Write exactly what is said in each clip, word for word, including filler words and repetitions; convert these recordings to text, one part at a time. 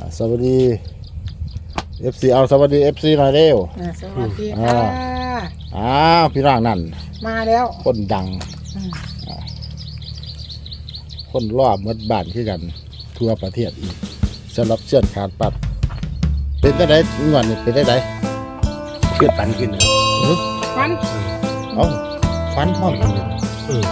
สวัสดี เอฟ ซี เอาสวัสดี เอฟ ซี หน่อยเร็วสวัสดีค่ะอ้าวพี่ร่างนั่นมาแล้วคนดังคนรอบเมื่อบ้านที่กันทั่วประเทศอีกสำหรับเชื่อนขาดปัดเป็นได้ไหนงวดนี่เป็นได้ไหนเชื่อฟันขึ้นฟันเอ้าฟันพร้อมกันเออ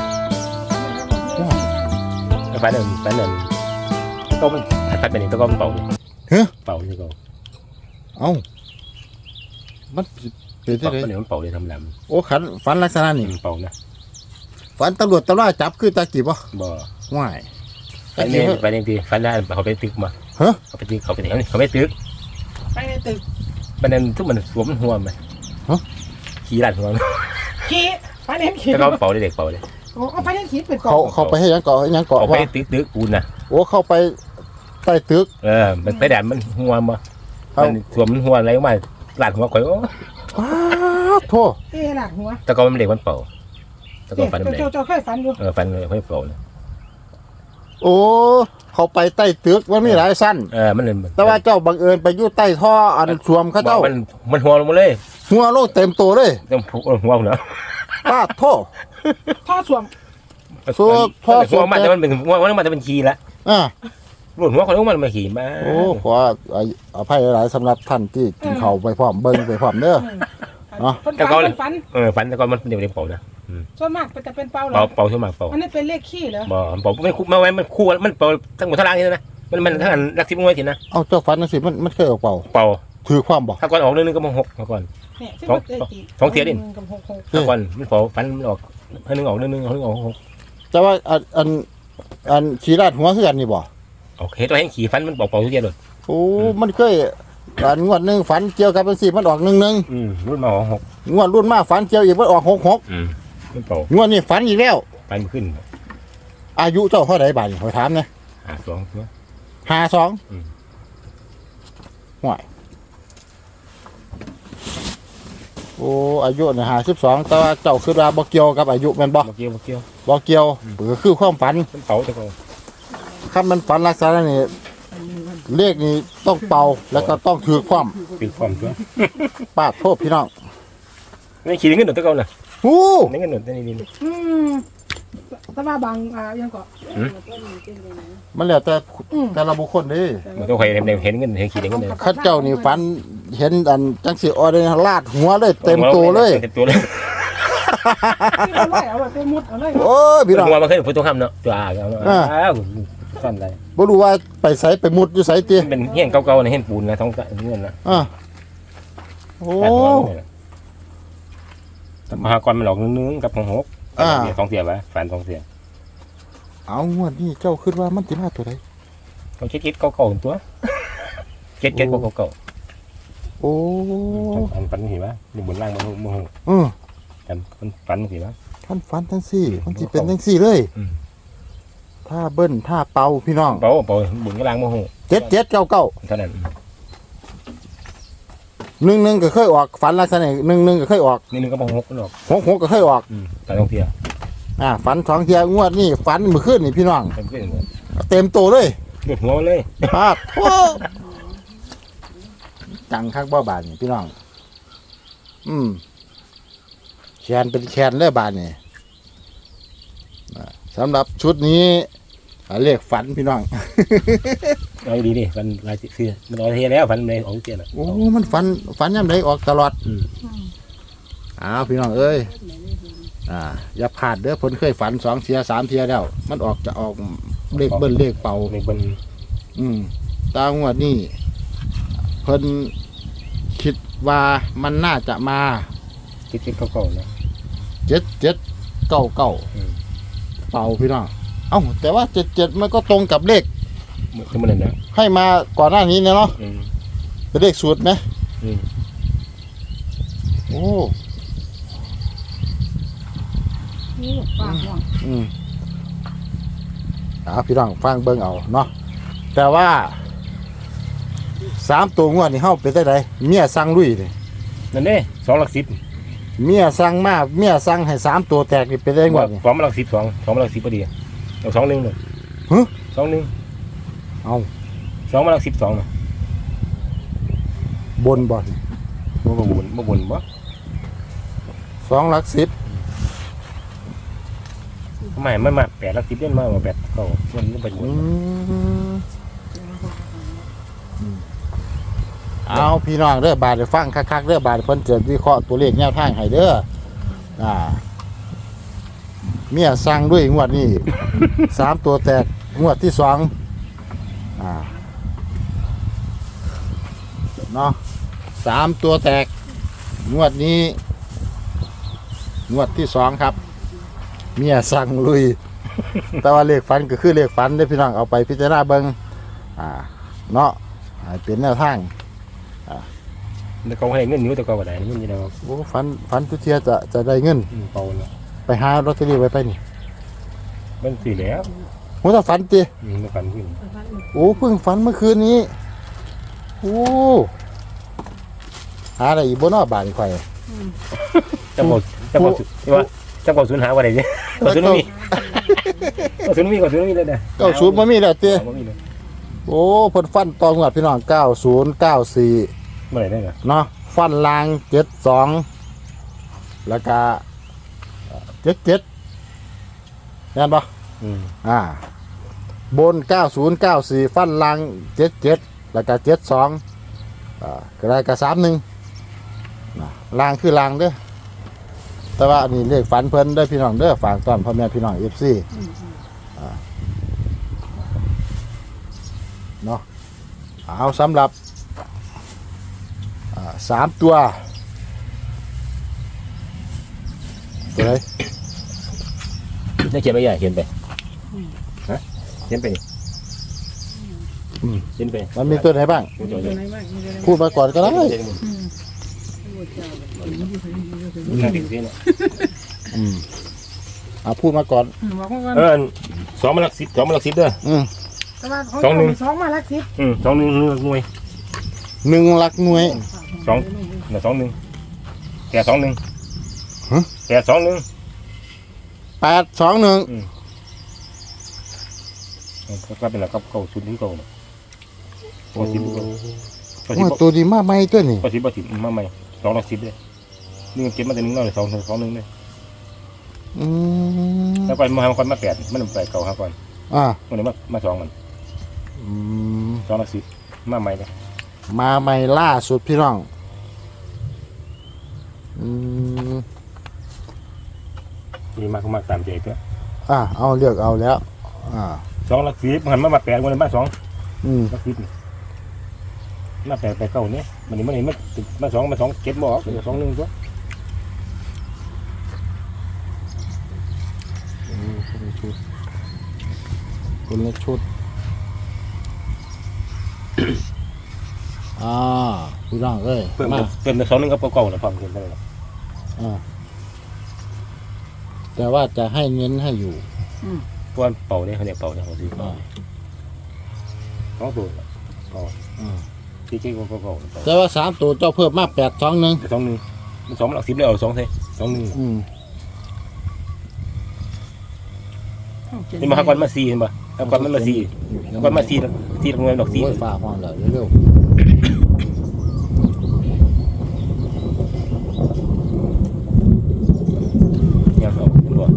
ฟันนั่นฟันนั่นก็มันฟันเป็นอย่างตัวก็มันเป่าเฮ้เป่านี่ก็เอ้ามันเป็นได้ไหนมันมันเป่าเลยทำลำโอ้ขันฟันลักษณะนี้เป่านะฟันตำรวจตำรวจจับคือตากีบบ่บ่ง่ายฟันเนี่ยฟันเนี่ยทีฟันได้เขาไปตึกมาเฮ้เขาไปตึกเขาไปไหนเขาไม่ตึกไปในตึกมันนั่นทุกมันสวมหัวไหมฮะขี่หลังหัวขี่ฟันเห็นขี่แล้วก็เป่าเด็กเป่าเลยโอ้ฟันเห็นขี่เป็นเขาเขาไปให้ยังเกาะยังเกาะไปตึกตึกปูนนะโอ้เข้าไปใต้ตึกเออมันไปแดดมันหัวมามันสวมหัวอะไรมาหลังหัวข่อยโอ้ว้าโธ่เอ๊ะหลังหัวแต่ก็มันเด็กมันเป่าแต่ก็ฟันมันเด็กเจ้าเจ้าเคยฟันอยู่เออฟันเลยค่อยเป่าเลยโอ้เขาไปใต้ตึกมันมีหลายสั้นเออมันเลยแต่ว่าเจ้าบังเอิญไปอยู่ใต้ท่ออันสวมเขาเจ้ามันมันหัวลงมาเลยหัวโลกเต็มตัวเลยเต็มหัวเหรอป้าโธ่ท่อสวมท่อท่อสวมมันจะมันเป็นหัวมันจะเป็นขี่ละอ่าหลุดหัวเขาต้องมันมาขี่มาโอ้ขออภัยหลายสำหรับท่านที่กินเข่าไปพร้อมเบิ้งไปพร้อมเด้อเนาะแต่ก็ฟันเออฟันแต่ก็มันเดี๋ยวเดี๋ยวเป่านะส่วนมากจะเป็นเป่าหรอเป่าเป่าส่วนมากเป่าอันนี้เป็นเลขขี้เหรอบ่เป่าไม่คู่มาไว้มันคู่มันเป่าทั้งหมดทั้งล่างนี่นะมันมันทั้งอันรักสิบงวยทีนะเอาเจ้าฟันนั่นสิมันมันเคยออกเป่าเป่าถือความบอกถ้าก่อนออกเรื่องนึงก็มาหกมาก่อนสองสองเทียดิถ้าก่อนมันเป่าฟันมันออกให้นึงออกเรื่องนึงเอานึงออกหกแต่ว่าอันอันอันขี่ราดหัวคือกันนี่บ่โอเคตัวแห้งขี่ฟันมันเป่าเป่าทุกเทียเลยโอ้มันเคยอันงวดหนึ่งฝันเกี่ยวกับเป็นสี่มันออกหนึ่งหนึ่งรุ่นมาออกหกงวดรุ่นมาฝันเกี่ยวอีกมันออกหกหกมันเป่างวดนี้ฝันอีกแล้วฟันขึ้นอายุเจ้าเท่าไหร่บาทขอถามเนี่ยห้าสองห้าสองห่วยโอ้อายุเนี่ยห้าสิบสองแต่ว่าเจ้าคือว่าบ่เกี่ยวกับอายุแม่นบ่บ่เกี่ยวบ่เกี่ยวบ่เกี่ยวก็คือความฝันมันเป่าแต่ก็ถ้ามันฝันลักษณะนี้เลขนี้ต้องเป่าแล้วก็ต้องถือความถือความตัวปาดโทษพี่น้องนี่ขี่เงินหนุนตะเกาน่ะโอ้นี่เงินหนุนแต่นี่นี่อืมแต่ว่าบางอ่ายังก็มันแล้วแต่แต่ละบุคคลดิมันต้องใครเห็นเห็นเงินเห็นขี่เงินเลยข้าเจ้านี่ฝันเห็นอันจังสิออเดลาดหัวเลยเต็มตัวเลยเต็มตัวเลยโอ้ยพี่น้องหัวมันเคยพูดตรงคำเนาะตัวอ่างอ้าวสั้นเลยบ่รู้ว่าไปใส่ไปมุดอยู่ใส่ตีเป็นเฮี้ยนเก่าๆนะเฮี้ยนปูนนะท้องเงินนะอ่าโอ้มหากรมันหลอกนึงกับของหกสองเสียบะแฟนสองเสียเอางวดนี้เจ้าคิดว่ามันจะมาตัวใดเขาเช็ดเช็ดเก่าๆตัวเช็ดเช็ดเก่าๆโอ้อันฝันเห็นปะนี่บนล่างมันมันเออกันมันฝันเห็นปะท่านฝันทั้งสี่มันจะเป็นทั้งสี่เลยถ้าเบิ้ลถ้าเป่าพี่น้องเป่าเป่าบุญกระลังโมโหเจ็ดเจ็ดเก้าเก้าเท่านั้นหนึ่งหนึ่งก็เคยออกฝันลักษณะหนึ่งหนึ่งก็เคยออกหนึ่งหนึ่งก็มองหกก็ออกหกหกก็เคยออกฝันสองเทียอ่าฝันสองเทียงวดนี่ฝันเมื่อคืนนี่พี่น้องเต็มตัวเลยหลุดหัวเลยปาดโอ้จังคักบ่บานนี่พี่น้องอืมแขนเป็นแขนเลยบานนี่สำหรับชุดนี้เรียกฝันพี่น้องเอาดีดิฝันลายเสื้อมันลอยเทียแล้วฝันเลยออกเทียแล้วโอ้มันฝันฝันย่ำใดออกตลอดอ้าวพี่น้องเอ้ยอ่าอย่าพลาดเด้อผลเคยฝันสองเทียสามเทียแล้วมันออกจะออกเลขเบิ้ลเลขเป่าเลขเบิ้ลอืมตามว่านี่เพิ่นคิดว่ามันน่าจะมาเจ็ดเจ็ดเก้าเก้านะเจ็ดเจ็ดเก้าเก้าเป่าพี่น้องเอ้าแต่ว่าเจ็ดเจ็ดมันก็ตรงกับเลขที่มันเนี่ยให้มาก่อนหน้านี้เนาะเป็นเลขสูตรไหมโอ้อืมเอาพี่น้องฟังเบิ่งเอาเนาะแต่ว่าสามตัวงวดนี่เฮาเป็นได้ไดเมียสั่งลุยเลยนั่นเด้สองหลักสิบเมียสั่งมาเมียสั่งให้สามตัวแตกนี่เป็นได้งวดนี่สองหลักสิบสองสองหลักสิบพอดีเอาสองหนึ่งเลยฮึสองหนึ่งเอาสองมาหลักสิบสองนะบนบ่อนบ่บ่บุญบ่บุญบ่สองหลักสิบไม่มันมาแปดหลักสิบเดือนมาว่าแปดเก้ามันบ่เป็นบุอืญมเอาพี่น้องเด้อบาดได้ฟังคักๆเด้อบาดเพิ่นเกิดวิเคราะห์ตัวเลขแนวทางให้เด้ออ่าเมียสั่งด้วยงวดนี้ สามตัวแตกงวดที่สองอ่าเนาะสามตัวแตกงวดนี้งวดที่สองครับ เมียสั่งลุย แต่ว่าเลขฝันก็คือเลขฝันได้อพี่น้องเอาไปพิจารณาเบิ่งอ่าเนาะให้เป็นแนวทางแต่เขาให้เงินอยู่แต่ก็บ่ได้เงินอยู่แล้วโอ้ฝันฝันทุกเทียจะจะได้เงินอืมเปล่าเนาะไปหาลอตเตอรี่ไว้ไปนี่มันสิแล้วหัวตาฝันติอืมมันกันขึ้นโอ้เพิ่งฝันเมื่อคืนนี้โอ้หาอะไรอีกบ่เนอบาทนี่ข่อยจังบ่จังบ่ที่ว่าจังบ่สูญหาบ่ได้เด้บ่สูญมีบ่สูญมีบ่สูญมีเลยเด้อเก้าศูนย์บ่มีแล้วติบ่มีเลยโอ้เพิ่นฟันตองวดพี่น้องเก้าศูนย์เก้าสี่บ่ได้ได้เหรอเนาะฟันลางเจ็ดสองแล้วก็เจ็ดเจ็ดแม่นบ่อืมอ่าบนเก้าศูนย์เก้าสี่ฟันลางเจ็ดเจ็ดแล้วก็เจ็ดสองอ่าก็ได้ก็สามหนึ่งนะลางคือลางเด้อแต่ว่าอันนี้เลขฝันเพิ่นเด้อพี่น้องเด้อฝากตอนพ่อแม่พี่น้องเอฟซีเนาะเอาสำหรับอ่าสามตัวตัวไหนได้เขียนไปใหญ่เขียนไปฮะเขียนไปนี่อืมเขียนไปมันมีตัวไหนบ้างตัวตัวอยู่ใหญ่ไหนบ้างอยู่ไหนบ้างพูดมาก่อนก็ได้อืมมันน่าติดสิเนาะอืมเอาพูดมาก่อนอืมบอกว่าเออสองมาหลักสิบสองมาหลักสิบเด้ออืมแต่ว่าของสองหนึ่งสองมาลักสิบอืมสองหนึ่งหนึ่งหน่วยหนึ่งหลักหน่วยสองเดี๋ยวสองหนึ่งแกสองหนึ่งฮะแกสองหนึ่งแปดสองหนึ่งอืมก็เป็นหลักเก่าชุดนี้เก่าเนาะก็สิบก็สิบว่าตัวดีมากไหมตัวนี้ก็สิบก็สิบมาใหม่สองหลักสิบเลยหนึ่งเก็บมาแต่หนึ่งน้อยสองสองหนึ่งเลยอืมแล้วก่อนมาก่อนมาแปดมันแปดเก่าห้าก่อนอ่ามันเลยมามาสองมันอืมสองหลักสิบมาใหม่เลยมาใหม่ล่าสุดพี่น้องอืมมีมากมากตามใจเพื่ออ่าเอาเลือกเอาแล้ว อ่าสองหลักสิบมันมามาแปดมันเลยมาสองอืมหลักสิบมาแปดไปเก้าเนี้ยมันนี่มันนี่มันมาสองมาสองเก็บบ่ออกสองหนึ่งตัวอืมคนละชุดคนละชุด อ่าพี่น้องเอ้ยเพิ่มมาเพิ่มสองหนึ่งกับเก่าแล้วพร้อมกันเลยอ่าแต่ว่าจะให้เน้นให้อยู่เพราะว่าเป่าเนี่ยเขาเรียกเป่าเนี่ยเขาซื้ออ่าสองตัวก็อ่าที่ที่ก็เก่าแต่ว่าสามตัวเจ้าเพิ่มมาแปดสองหนึ่งสองหนึ่งมันสองหลักสิบเลยเอาสองเท่สองหนึ่งอืมนี่มาก่อนมาสี่เห็นป่ะแล้วก่อนมันมาสี่ก่อนมาสี่สี่ตรงนั้นดอกสี่โอ้ยฟ้าห้องแล้วเร็วเนี่ยเขาคุณบอกๆ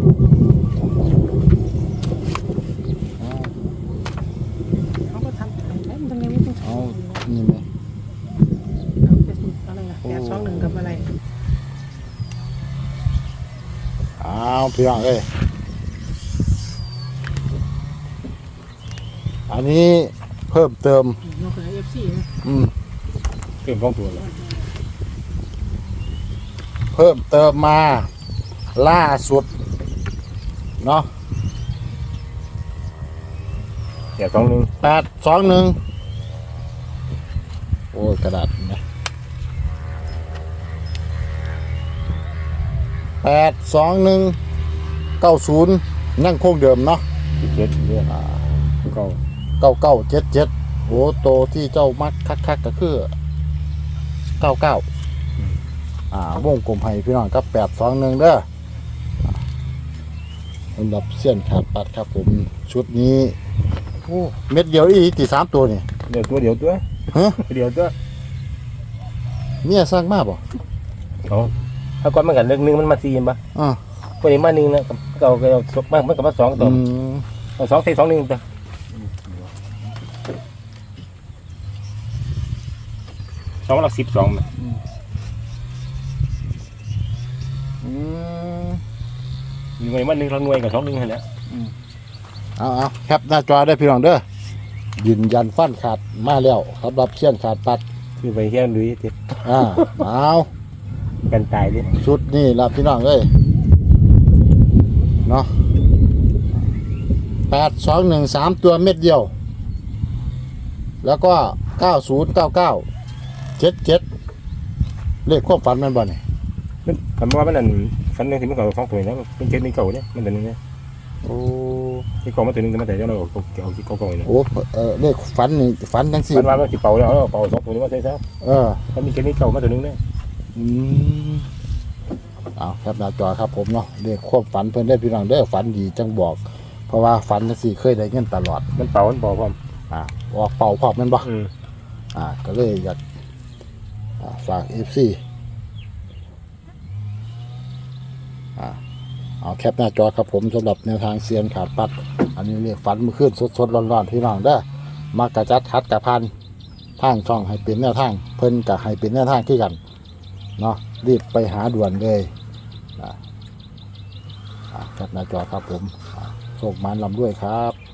อ่าเขาก็ทำอะไรมันทำไมไม่ต้องเอานี่ไหมเอาเป็นอะไรอะแปดสองหนึ่งกับอะไรเอาพี่น้องเอ้ยอันนี้เพิ่มเติมนกเอฟซีอืมเพิ่มสองตัวแล้วเพิ่มเติมมาล่าสุดเนาะแต่สองหนึ่งแปดสองหนึ่งโอ้ยกระดาษนะแปดสองหนึ่งเก้าศูนย์ยังคงเดิมเนาะเจ็ดเรื่องเก่าเก้าเก้าเจ็ดเจ็ดโอ้โตที่เจ้ามักคักๆก็คือเก้าเก้าอ่าวงกลมให้พี่น้องครับแปดสองหนึ่งเด้อสำหรับเส้นขาดปัดครับผมชุดนี้โอ้เม็ดเดียวอีกตีสามตัวนี่เดี๋ยวตัวเดี๋ยวตัวฮะเดี๋ยวตัวเมียสั่งมาบ่เอาถ้าก่อนมันกันเรื่องนึงมันมาสี่ป่ะอ่าคนนี้มาหนึ่งนะก็เอาก็เอามากมันก็มาสองตัวอืมเอาสองใส่สองหนึ่งตัวสองหลักสิบสองอืมหน่วยมาหนึ่งเราหน่วยกับสองหนึ่งเท่านั้นเอาเอาแคปหน้าจอได้พี่น้องเด้อยืนยันฟันขาดมาแล้วสำหรับเชี่ยนขาดปัดคือไปแค่ลุยเจ็บอ่าเอากันตายดิชุดนี่ละพี่น้องเอ้ยเนาะแปดสองหนึ่งสามตัวเม็ดเดียว แล้วก็เก้าศูนย์เก้าเก้าเจ็ดเจ็ดเลขความฝันแมันบ่เนี่ยคำว่ามันนั่นฟันหนึ่งที่มันเก่าสองตัวแล้วเป็นเจ็ดนี่เก่าเนี่ยมันตัวนึงเนี่ยโอ้ที่เก่ามาตัวนึงแต่มาแต่เจ้าเราเอาเอาที่เก่าเก่าเนี่ยโอ้เออเลขฝันนี่ฝันทั้งสี่มันว่ามันสิเป่าแล้วเอาเป่าสองตัวนี้มาใส่ซะเออมันมีเจ็ดนี่เก่ามาตัวนึงเนี่ยอืมเอาครับหน้าจอครับผมเนาะเลขความฝันเพิ่นได้พี่น้องเด้อฝันดีจังบอก เพราะว่าฝันจังสี่เคยได้เงินตลอดมันเป่ามันเป่าความอ่าออกเป่าพร้อมแมันบ่อืมอ่าก็เลยอยากอ่าฝาก เอฟ ซี อ่าเอาแคปหน้าจอครับผมสำหรับแนวทางเซียนขาดปัด อันนี้เรียกฝันเมื่อคืนสดๆร้อนๆพี่น้องเด้อมากระจัดคัดกระพันทางช่องให้เป็นแนวทางเพิ่นกับให้เป็นแนวทางที่กันเนาะรีบไปหาด่วนเลยอ่าอ่าแคปหน้าจอครับผมอ่าโชคมันลำด้วยครับ